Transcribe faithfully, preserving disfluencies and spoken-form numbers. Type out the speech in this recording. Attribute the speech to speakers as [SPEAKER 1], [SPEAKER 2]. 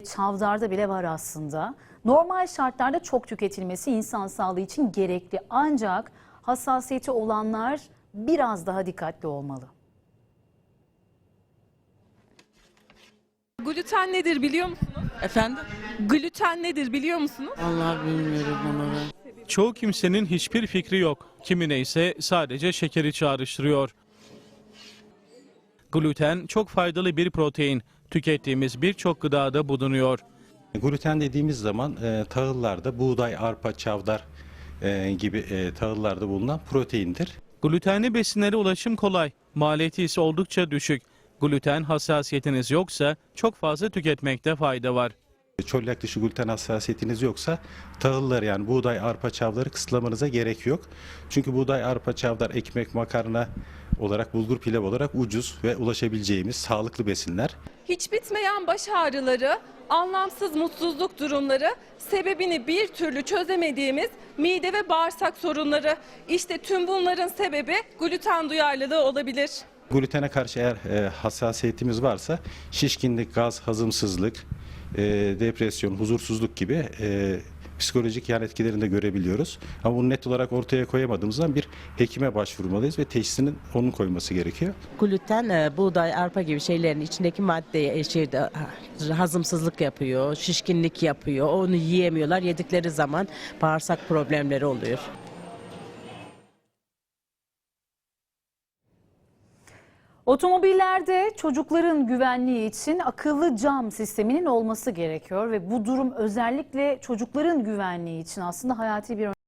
[SPEAKER 1] çavdarda bile var aslında. Normal şartlarda çok tüketilmesi insan sağlığı için gerekli. Ancak hassasiyeti olanlar biraz daha dikkatli olmalı.
[SPEAKER 2] Gluten nedir biliyor musunuz?
[SPEAKER 3] Efendim?
[SPEAKER 2] Gluten nedir biliyor musunuz?
[SPEAKER 3] Vallahi bilmiyorum onu ben.
[SPEAKER 4] Çoğu kimsenin hiçbir fikri yok. Kimine ise sadece şekeri çağrıştırıyor. Gluten çok faydalı bir protein. Tükettiğimiz birçok gıdada bulunuyor.
[SPEAKER 5] Gluten dediğimiz zaman e, tahıllarda buğday, arpa, çavdar e, gibi e, tahıllarda bulunan proteindir.
[SPEAKER 4] Glutenli besinlere ulaşım kolay. Maliyeti ise oldukça düşük. Gluten hassasiyetiniz yoksa çok fazla tüketmekte fayda var.
[SPEAKER 5] Çölyak dışı gluten hassasiyetiniz yoksa tahılları yani buğday, arpa, çavdarı kısıtlamanıza gerek yok. Çünkü buğday, arpa, çavdar, ekmek, makarna olarak, bulgur pilav olarak ucuz ve ulaşabileceğimiz sağlıklı besinler.
[SPEAKER 2] Hiç bitmeyen baş ağrıları, anlamsız mutsuzluk durumları, sebebini bir türlü çözemediğimiz mide ve bağırsak sorunları. İşte tüm bunların sebebi gluten duyarlılığı olabilir.
[SPEAKER 5] Glutene karşı eğer e, hassasiyetimiz varsa şişkinlik, gaz, hazımsızlık, e, depresyon, huzursuzluk gibi e, psikolojik yan etkilerini de görebiliyoruz. Ama bunu net olarak ortaya koyamadığımızdan bir hekime başvurmalıyız ve teşhisinin onun koyması gerekiyor.
[SPEAKER 3] Gluten, e, buğday, arpa gibi şeylerin içindeki maddeye şey, de, hazımsızlık yapıyor, şişkinlik yapıyor. Onu yiyemiyorlar. Yedikleri zaman bağırsak problemleri oluyor.
[SPEAKER 1] Otomobillerde çocukların güvenliği için akıllı cam sisteminin olması gerekiyor ve bu durum özellikle çocukların güvenliği için aslında hayati bir